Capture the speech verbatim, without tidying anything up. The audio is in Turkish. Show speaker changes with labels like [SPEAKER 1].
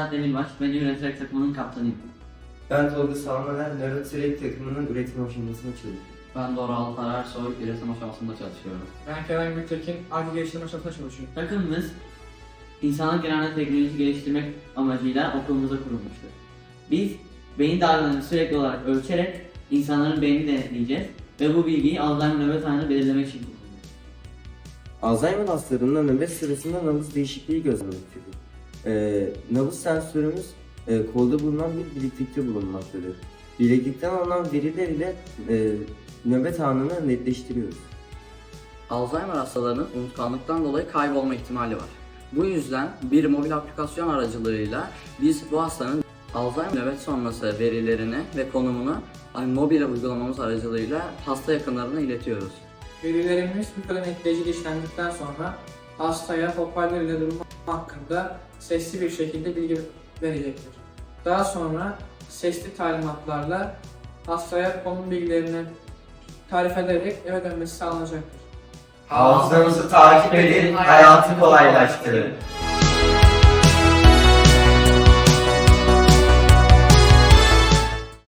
[SPEAKER 1] Esat Demirbaş, ben Üreterek takımının kaptanıyım.
[SPEAKER 2] Ben Tolga Salmaner, Nörotrek takımının üretim aşamasında çalışıyorum.
[SPEAKER 1] Ben Doral Kararsoy, üretim aşamasında çalışıyorum.
[SPEAKER 3] Ben Kerem Gültekin, Arge Geliştirme Aşamasında çalışıyorum.
[SPEAKER 1] Takımımız, insanlık genelinde teknoloji geliştirmek amacıyla okulumuza kurulmuştur. Biz, beyin dalgalarını sürekli olarak ölçerek insanların beynini denetleyeceğiz ve bu bilgiyi Alzheimer nöbet anını belirlemek için kullanacağız.
[SPEAKER 2] Alzheimer hastalarında nöbet sırasında nabız değişikliği gözlemektedir. Ee, nabız sensörümüz e, kolda bulunan bir bileklikte bulunmaktadır. Bileklikten alınan veriler ile e, nöbet anını netleştiriyoruz.
[SPEAKER 4] Alzheimer hastalarının unutkanlıktan dolayı kaybolma ihtimali var. Bu yüzden bir mobil aplikasyon aracılığıyla biz bu hastanın Alzheimer nöbet sonrası verilerini ve konumunu mobil uygulamamız aracılığıyla hasta yakınlarına iletiyoruz.
[SPEAKER 3] Verilerimiz bu kadar netleyici işlendikten sonra hastaya hoparlör ile durumu hakkında sesli bir şekilde bilgi verecektir. Daha sonra sesli talimatlarla hastaya konum bilgilerini tarif ederek eve dönmesi sağlanacaktır.
[SPEAKER 5] Hafızanızı takip edin, hayatı kolaylaştırın.